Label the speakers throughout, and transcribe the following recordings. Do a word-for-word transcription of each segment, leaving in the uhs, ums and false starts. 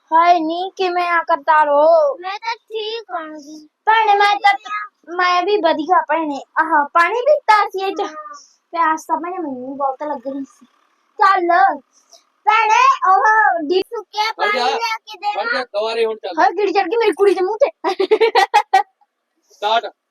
Speaker 1: हाय नी किवें आ करता रो
Speaker 2: मैं तो ठीक होंगी
Speaker 1: भैने मैं तो मैं भी वधिया भैने आह पानी पीता सी ए च प्यास तो भैने मैनू बहुत लग रही सी चल भैने ओह डी
Speaker 2: सुक्के पानी लेके दे
Speaker 3: बढ़ जा गवारे हुन चल
Speaker 1: हाय गिड़ चढ़ गई मेरी कुड़ी दे मुंह ते
Speaker 3: स्टार्ट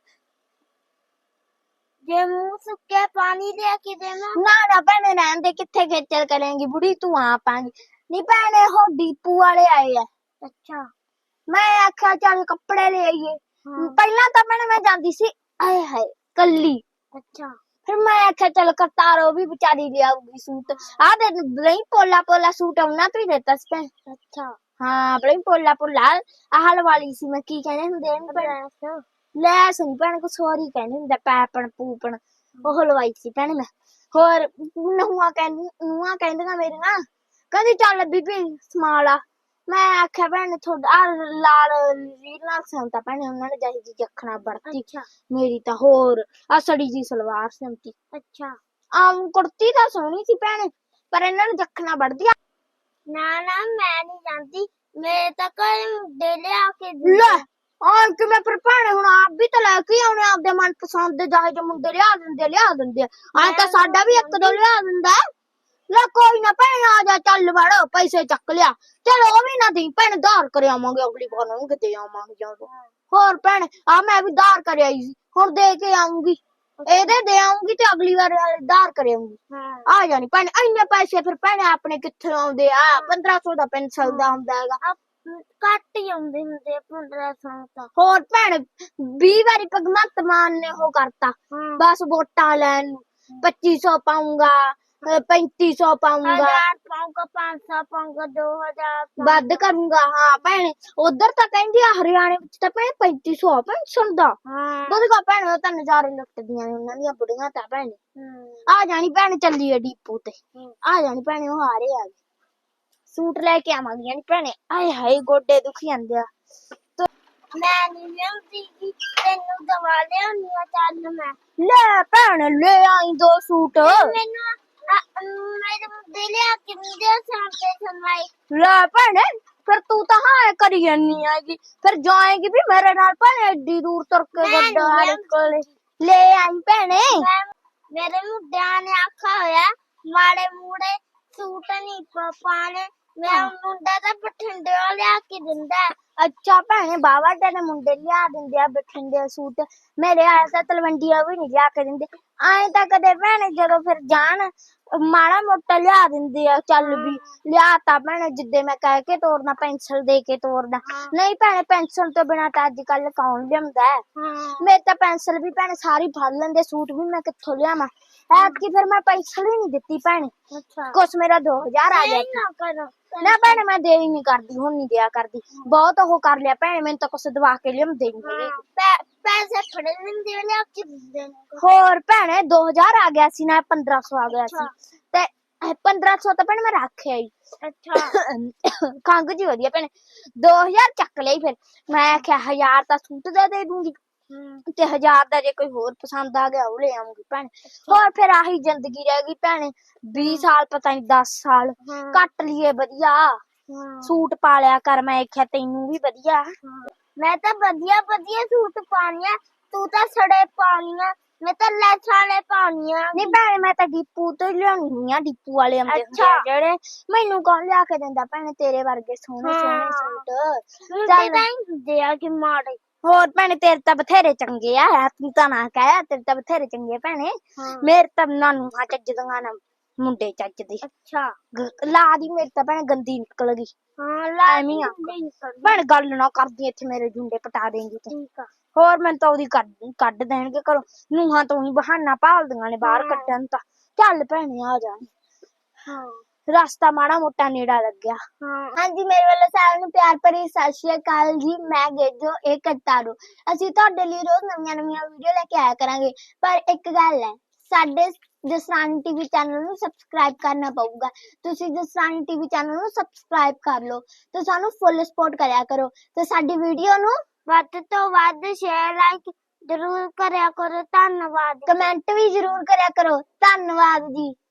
Speaker 2: जे मुंह सुक्के पानी लेके दे
Speaker 1: ना ना भैने रहन दे किथे खेचल करेंगी बुढ़ी तू आ पाएंगी नी भैने हो डीपू वाले आए है
Speaker 2: अच्छा
Speaker 1: मैं आख्या चल कपड़े ले आइए
Speaker 2: हाँ।
Speaker 1: पहला तो मैंने मैं जाती सी आए हाय कल्ली
Speaker 2: अच्छा
Speaker 1: फिर मैं आख्या चल करतारो भी बेचारी ले आऊगी सूट आ दे नहीं पोला पोला सूट औना तो ही देता सी भैन
Speaker 2: अच्छा
Speaker 1: हाँ बड़ी पोला पोला आहल वाली सी मैं की कहने हुंदे ने भैन लैस नहीं भैन को सॉरी कहने हुंदे पैपन पूपन ओह लवाई सी भैन मैं होर नहुआ कहंदी नहुआ कहंदियां मेरियां कहंदी चल बीबी समाला मैं आख्या भैन थोड़ा लाल रीलां संता भैन उन्होंने जाही जी जखना बढ़ती
Speaker 2: अच्छा
Speaker 1: मेरी तो होर आ सड़ी जी सलवार संती
Speaker 2: अच्छा
Speaker 1: आम कुर्ती तो सोहनी सी भैन पर इन्होंने जखना बढ़ दिया
Speaker 2: ना ना मैं नहीं जानती मेरे तक डेले आके
Speaker 1: ले और कि मैं फिर भैन हुण आप भी तो लेके आउणे आपदे मन पसंद दे जाहे जे मुंडे लिया दिंदे लिया दिंदे आ तां साडा भी एक दो लिया दिंदा ले कोई ना भैन आ जा चल वड़ पैसे चक लिया चल ओ भी ना दी भैन धार कर आवांगे अगली बार नूं किते आवांगे ਜਦੋਂ ਹੋਰ ਭੈਣ ਆ ਮੈਂ ਵੀ ਧਾਰ ਕਰ ਆਈ ਸੀ ਹੁਣ ਦੇ ਕੇ ਆਉਂਗੀ ਇਹਦੇ ਦੇ ਆਉਂਗੀ ਤੇ ਅਗਲੀ ਵਾਰ ਧਾਰ ਕਰ ਆਉਂਗੀ
Speaker 2: हाँ
Speaker 1: ਆ ਜਾਣੀ ਭੈਣ ਇੰਨੇ ਪੈਸੇ ਫਿਰ ਭੈਣ ਆਪਣੇ ਕਿੱਥੇ ਆਉਂਦੇ ਆ ਪੰਦਰਾਂ ਸੌ ਦਾ ਪੈਨਸਲ ਦਾ ਆਉਂਦਾ ਹੈਗਾ
Speaker 2: ਘੱਟ ਹੀ ਆਉਂਦੇ ਹੁੰਦੇ ਪੰਦਰਾਂ ਸੌ ਤਾਂ
Speaker 1: ਹੋਰ ਭੈਣ ਵੀਹ ਵਾਰੀ ਭਗਵੰਤ ਮਾਨ ਨੇ ਉਹ ਕਰਤਾ
Speaker 2: ਹਾਂ
Speaker 1: ਬਸ ਵੋਟਾਂ ਲੈਣ ਨੂੰ ਪੱਚੀ ਸੌ ਪਾਉਂਗਾ पैंती सौ पाऊंगा
Speaker 2: हजार पाऊंगा पाँच सौ पाऊंगा दो हजार
Speaker 1: ਵੱਧ ਕਰੂੰਗਾ ਹਾਂ ਭੈਣ ਉਧਰ ਤਾਂ ਕਹਿੰਦੀ ਆ ਹਰਿਆਣੇ ਵਿੱਚ ਤਾਂ ਭੈਣ पैंती सौ ਪੈਨਸ਼ਨ ਦਾ
Speaker 2: हाँ
Speaker 1: ਉਹਦੇ ਭੈਣ ਉਹ ਤਾਂ ਨਜ਼ਾਰੇ ਲੁੱਟਦੀਆਂ ਨੇ ਉਹਨਾਂ ਦੀਆਂ ਬੁੜੀਆਂ ਤਾਂ ਭੈਣ
Speaker 2: हम्म,
Speaker 1: ਆ ਜਾਣੀ ਭੈਣ ਚੱਲੀ ਏ ਡੀਪੂ ਤੇ
Speaker 2: हम्म।
Speaker 1: ਆ ਜਾਣੀ ਭੈਣੇ ਉਹ ਹਾਰੇ ਆ ਗਏ ਸੂਟ ਲੈ ਕੇ ਆਵਾਂਗੀਆਂ ਨੀ ਭੈਣੇ ਆਏ ਹਾਏ ਗੋਡੇ ਦੁਖੀ ਜਾਂਦੇ ਆ
Speaker 2: मैं नहीं जानती कि तेनू दवा लियानी आ चल मैं
Speaker 1: ਲੈ ਭੈਣ ਲੈ ਆਈ ਦੋ ਸੂਟ
Speaker 2: मैनू आ- मेरे मुद्दे लिया के मुझे शांति सुनवाई
Speaker 1: ਲੈ ਭੈਣੇ ਫਿਰ ਤੂੰ ਤਾਂ ਹਾਂ ਕਰੀ ਜਾਨੀ ਆਗੀ ਫਿਰ ਜਾਏਗੀ ਵੀ ਮੇਰੇ ਨਾਲ ਭੈਣੇ ਏਡੀ ਦੂਰ ਤੁਰ ਕੇ
Speaker 2: ਮੈਂ ਨੀ
Speaker 1: ਗੱਡਾ
Speaker 2: ਜਾਂਦੀ।
Speaker 1: ਕੋਲੇ ਲੈ ਆਈ ਭੈਣੇ
Speaker 2: मैं मेरे मुद्दे ने आखा होया माड़े मूड़े सूट नहीं प- पाने मैं मुंडा तो बठिंडे लिया के दिंदा है।
Speaker 1: ਅੱਛਾ ਭੈਣੇ ਬਾਵਾ ਤੇਰੇ ਮੁੰਡੇ ਲਿਆ ਦਿੰਦੇ ਆ ਬਠਿੰਡੇ ਸੂਟ ਮੇਰੇ ਆਇਆ ਤਾਂ ਤਲਵੰਡੀਆਂ ਵੀ ਨਹੀਂ ਲਿਆ ਕੇ ਦਿੰਦੇ ਐਂ ਤਾਂ ਕਦੇ ਭੈਣੇ ਜਦੋਂ ਫਿਰ ਜਾਣ ਮਾੜਾ ਮੋਟਾ ਲਿਆ ਦਿੰਦੇ ਆ ਚੱਲ ਵੀ ਲਿਆ ਤਾਂ ਭੈਣੇ ਜਿੱਦੇ ਮੈਂ ਕਹਿ ਕੇ ਤੋਰਨਾ ਪੈਨਸਲ ਦੇ ਕੇ ਤੋਰਨਾ ਨਹੀਂ ਭੈਣੇ ਪੈਨਸਲ ਤੋਂ ਬਿਨਾਂ ਤਾਂ ਅੱਜ ਕੱਲ ਕੌਣ ਲਿਆਉਂਦਾ ਹੈ
Speaker 2: हाँ
Speaker 1: ਮੇਰੇ ਤਾਂ ਪੈਨਸਲ ਵੀ ਭੈਣੇ ਸਾਰੀ ਫੜ ਲੈਂਦੇ ਸੂਟ ਵੀ ਮੈਂ ਕਿੱਥੋਂ ਲਿਆਵਾਂ ਐਤਕੀ ਫਿਰ ਮੈਂ ਪੈਨਸਲ ਹੀ ਨਹੀਂ ਦਿੱਤੀ ਭੈਣੇ
Speaker 2: अच्छा
Speaker 1: ਕੁਛ ਮੇਰਾ ਦੋ ਹਜ਼ਾਰ ਆ ਗਿਆ
Speaker 2: नहीं ना करो
Speaker 1: ਨਾ ਭੈਣੇ ਮੈਂ ਦੇ ਹੀ ਨਹੀਂ ਕਰਦੀ ਹੁਣ ਨਹੀਂ ਦਿਆ ਕਰਦੀ ਬਹੁਤ ਉਹ ਕਰ ਲਿਆ ਭੈਣੇ ਮੈਨੂੰ ਤਾਂ ਕੁਛ ਦਵਾ ਕੇ ਲਿਆਉਂਦੇ ਨਹੀਂ ਹੈਗੇ
Speaker 2: हाँ, पै- पैसे फड़े दिंदे लिया के दिंदे ने।
Speaker 1: ਹੋਰ ਭੈਣੇ ਦੋ ਹਜ਼ਾਰ ਆ ਗਿਆ ਸੀ ਨਾ ਪੰਦਰਾਂ ਸੌ ਆ ਗਿਆ ਸੀ
Speaker 2: ਅੱਛਾ।
Speaker 1: ਤੇ ਇਹ ਪੰਦਰਾਂ ਸੌ ਤਾਂ ਭੈਣੇ ਮੈਂ ਰੱਖਿਆ ਹੀ
Speaker 2: अच्छा
Speaker 1: ਖੰਗ ਜੀ ਵਧੀਆ ਭੈਣੇ ਦੋ ਹਜ਼ਾਰ ਚੱਕ ਲਈ ਫਿਰ ਮੈਂ ਆਖਿਆ ਹਜ਼ਾਰ ਤਾਂ ਸੂਟ ਦਾ ਦੇ ਦੂੰਗੀ
Speaker 2: हम्म,
Speaker 1: ਤੇ ਹਜ਼ਾਰ ਦਾ ਜੇ ਕੋਈ ਹੋਰ ਪਸੰਦ ਆ ਗਿਆ ਉਹ ਲੈ ਆਉਂਗੀ ਭੈਣੇ ਹੋਰ ਫਿਰ ਆਹੀ ਜ਼ਿੰਦਗੀ ਰਹਿ ਗਈ ਭੈਣੇ ਵੀਹ ਸਾਲ ਪਤਾ ਨਹੀਂ ਦਸ ਸਾਲ
Speaker 2: हाँ
Speaker 1: ਕੱਟ ਲਈਏ ਵਧੀਆ
Speaker 2: हाँ
Speaker 1: ਸੂਟ ਪਾ ਲਿਆ ਕਰ ਮੈਂ ਆਖਿਆ ਤੈਨੂੰ ਵੀ ਵਧੀਆ
Speaker 2: मैं तो बढ़िया बढ़िया सूट पानिया तू तो सड़े पानिया मैं तो लैसा ले पानिया
Speaker 1: ਨਹੀਂ ਭੈਣੇ ਮੈਂ ਤਾਂ ਡੀਪੂ ਤੋਂ ਹੀ ਲਿਆਉਣੀ ਹੁੰਦੀ ਆ ਡੀਪੂ ਵਾਲੇ ਆਉਂਦੇ ਹੁੰਦੇ ਆ
Speaker 2: ਅੱਛਾ।
Speaker 1: ਜਿਹੜੇ ਮੈਨੂੰ ਕੌਣ ਲਿਆ ਕੇ ਦਿੰਦਾ ਭੈਣੇ ਤੇਰੇ ਵਰਗੇ ਸੋਹਣੇ ਸੋਹਣੇ
Speaker 2: ਹਾਂ।
Speaker 1: ਸੂਟ
Speaker 2: मुझे
Speaker 1: ਚੱਲ
Speaker 2: नहीं दिया कि मारे
Speaker 1: ਹੋਰ ਭੈਣੇ ਤੇਰੇ ਤਾਂ ਬਥੇਰੇ ਚੰਗੇ ਆ ਤੂੰ ਤਾਂ ਨਾ ਕਹਿ ਤੇਰੇ ਤਾਂ ਬਥੇਰੇ ਚੰਗੇ ਆ ਭੈਣੇ
Speaker 2: हाँ
Speaker 1: ਮੇਰੇ ਤਾਂ ਨਾਨੂ ਹਾਂ ਚੱਜਦੀਆਂ ਨਾ ਮੁੰਡੇ ਚੱਜਦੇ
Speaker 2: अच्छा
Speaker 1: ਗ- ਲਾ ਦੀ ਮੇਰੀ ਤਾਂ ਭੈਣੇ ਗੰਦੀ ਨਿਕਲ ਗਈ
Speaker 2: हाँ ला
Speaker 1: ਐਵੇਂ ਹੀ ਆ।
Speaker 2: नहीं कर
Speaker 1: ਭੈਣ ਗੱਲ ਨਾ ਕਰਦੀ ਇੱਥੇ ਮੇਰੇ ਜੁੰਡੇ ਪਟਾ ਦੇਂਗੀ ਤੂੰ
Speaker 2: ठीक है
Speaker 1: ਹੋਰ ਮੈਨੂੰ ਤਾਂ ਉਹਦੀ ਕੱਢ ਕੱਢ ਦੇਣਗੇ ਘਰੋਂ ਨੂੰਹਾਂ ਤੋਂ ਹੀ ਬਹਾਨਾ ਭਾਲਦੀਆਂ ਨੇ ਬਾਹਰ
Speaker 2: ਹਾਂ।
Speaker 1: ਕੱਢਣ ਤਾਂ ਚੱਲ ਭੈਣੇ ਆ ਜਾ
Speaker 2: हाँ
Speaker 1: ਰਸਤਾ ਮਾੜਾ ਮੋਟਾ ਨੇੜਾ ਲੱਗਿਆ
Speaker 2: हाँ
Speaker 1: ਹਾਂਜੀ ਮੇਰੇ ਵੱਲੋਂ ਸਾਰਿਆਂ ਨੂੰ ਪਿਆਰ ਭਰੀ ਸਤਿ ਸ਼੍ਰੀ ਅਕਾਲ ਜੀ ਮੈਂ ਗੇਜੋ ਇਹ ਕਰਤਾਰੂ ਅਸੀਂ ਤੁਹਾਡੇ ਲਈ ਰੋਜ਼ ਨਵੀਆਂ ਨਵੀਆਂ ਵੀਡੀਓ ਲੈ ਕੇ ਆਇਆ ਕਰਾਂਗੇ ਪਰ ਇੱਕ ਗੱਲ ਹੈ ਸਾਡੇ ਜਸਰਾਣੀ ਟੀਵੀ ਚੈਨਲ ਨੂੰ ਸਬਸਕ੍ਰਾਈਬ ਕਰਨਾ ਪਊਗਾ ਤੁਸੀਂ ਜਸਰਾਣੀ ਟੀਵੀ ਚੈਨਲ ਨੂੰ ਸਬਸਕ੍ਰਾਈਬ ਕਰ ਲਓ ਤੇ ਸਾਨੂੰ ਫੁੱਲ ਸਪੋਰਟ ਕਰਿਆ ਕਰੋ ਤੇ ਸਾਡੀ ਵੀਡੀਓ ਨੂੰ
Speaker 2: ਵੱਧ ਤੋਂ ਵੱਧ ਸ਼ੇਅਰ ਲਾਈਕ ਜ਼ਰੂਰ ਕਰਿਆ ਕਰੋ ਧੰਨਵਾਦ
Speaker 1: ਕਮੈਂਟ ਵੀ ਜ਼ਰੂਰ ਕਰਿਆ ਕਰੋ ਧੰਨਵਾਦ ਜੀ।